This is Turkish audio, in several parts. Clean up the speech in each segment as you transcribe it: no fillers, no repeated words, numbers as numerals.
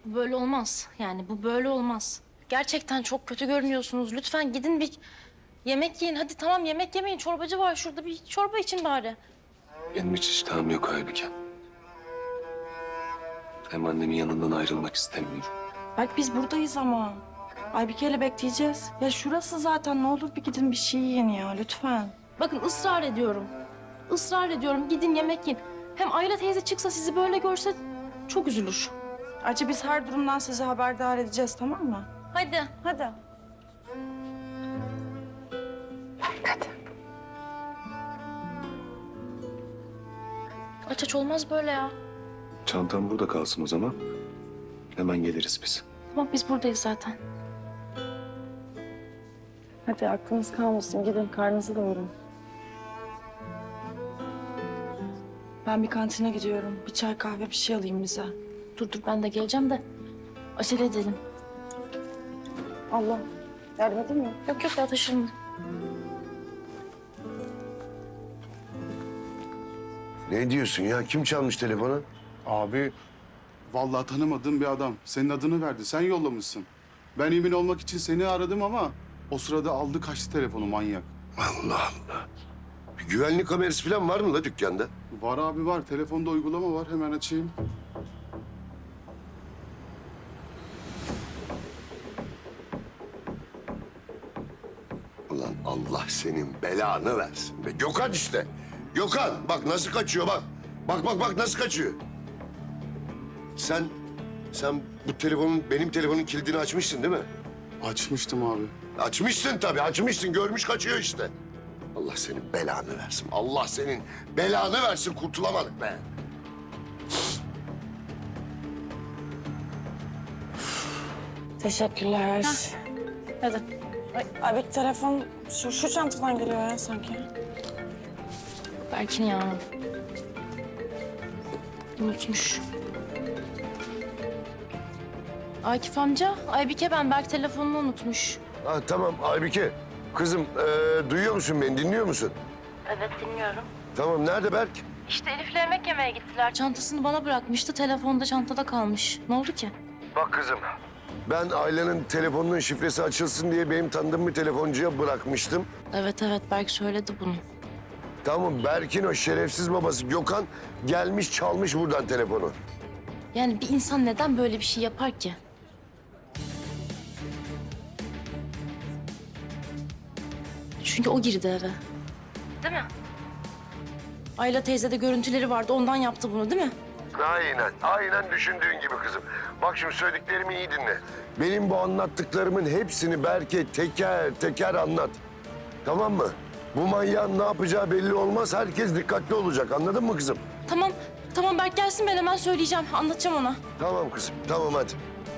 Bu böyle olmaz. Yani bu böyle olmaz. Gerçekten çok kötü görünüyorsunuz. Lütfen gidin bir yemek yiyin. Hadi tamam yemek yemeyin. Çorbacı var şurada. Bir çorba için bari. Benim hiç iştahım yok Aybike. Hem annemin yanından ayrılmak istemiyorum. Bak biz buradayız ama. Aybike'yle bekleyeceğiz. Ya şurası zaten, ne olur bir gidin bir şey yiyin ya lütfen. Bakın ısrar ediyorum. Israr ediyorum. Gidin yemek yiyin. Hem Ayla teyze çıksa sizi böyle görse çok üzülür. Acı biz her durumdan sizi haberdar edeceğiz, tamam mı? Hadi. Hadi. Aç aç olmaz böyle ya. Çantam burada kalsın o zaman. Hemen geliriz biz. Tamam biz buradayız zaten. Hadi aklınız kalmasın, gidin karnınızı doyurun. Ben bir kantine gidiyorum. Bir çay kahve bir şey alayım bize. Dur ben de geleceğim de acele edelim. Allah yardım edeyim mi? Yok ya taşırım. Ne diyorsun ya? Kim çalmış telefonu? Abi, vallahi tanımadığım bir adam. Senin adını verdi, sen yollamışsın. Ben emin olmak için seni aradım ama o sırada aldı kaçtı telefonu manyak. Allah Allah. Bir güvenlik kamerası falan var mı la dükkanda? Var abi var, telefonda uygulama var. Hemen açayım. Ulan Allah senin belanı versin be. Gökhan işte. Gökhan bak nasıl kaçıyor bak. Bak nasıl kaçıyor. Sen bu benim telefonun kilidini açmışsın değil mi? Açmıştım abi. Açmışsın tabii, açmışsın. Görmüş kaçıyor işte. Allah senin belanı versin. Allah senin belanı versin. Kurtulamadık be. Teşekkürler. Hadi. Abi telefon şu çantadan geliyor ya sanki. Berkin ya. Unutmuş. Akif amca, Aybike ben. Berk telefonunu unutmuş. Ha, tamam Aybike. Kızım duyuyor musun beni? Dinliyor musun? Evet dinliyorum. Tamam nerede Berk? İşte Elif'le yemek yemeye gittiler. Çantasını bana bırakmıştı. Telefonu da çantada kalmış. Ne oldu ki? Bak kızım. Ben Ayla'nın telefonunun şifresi açılsın diye benim tanıdığım bir telefoncuya bırakmıştım. Evet Berk söyledi bunu. Tamam Berk'in o şerefsiz babası Gökhan gelmiş çalmış buradan telefonu. Yani bir insan neden böyle bir şey yapar ki? Çünkü o girdi eve. Değil mi? Ayla teyze de görüntüleri vardı. Ondan yaptı bunu değil mi? Aynen düşündüğün gibi kızım. Bak şimdi söylediklerimi iyi dinle. Benim bu anlattıklarımın hepsini Berk'e teker teker anlat. Tamam mı? Bu manyağın ne yapacağı belli olmaz. Herkes dikkatli olacak. Anladın mı kızım? Tamam Berk gelsin ben hemen söyleyeceğim. Anlatacağım ona. Tamam kızım. Tamam hadi.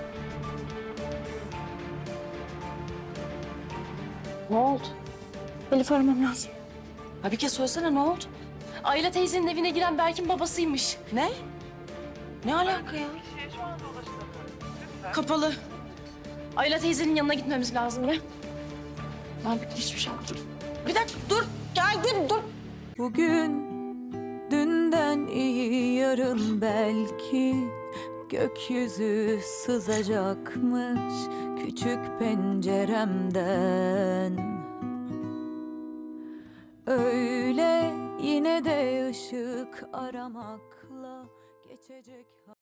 Ne oldu? Elif aramam lazım. Abi bir kez söylesene, ne oldu? Ayla teyzenin evine giren Berk'in babasıymış. Ne? Ne alaka ya? Kapalı. Ayla teyzenin yanına gitmemiz lazım ya. Ben hiçbir şey yapmadım. Bir dakika dur. Geldim dur. Bugün dünden iyi yarın belki gökyüzü sızacakmış küçük penceremden. Öyle yine de ışık aramakla geçecek.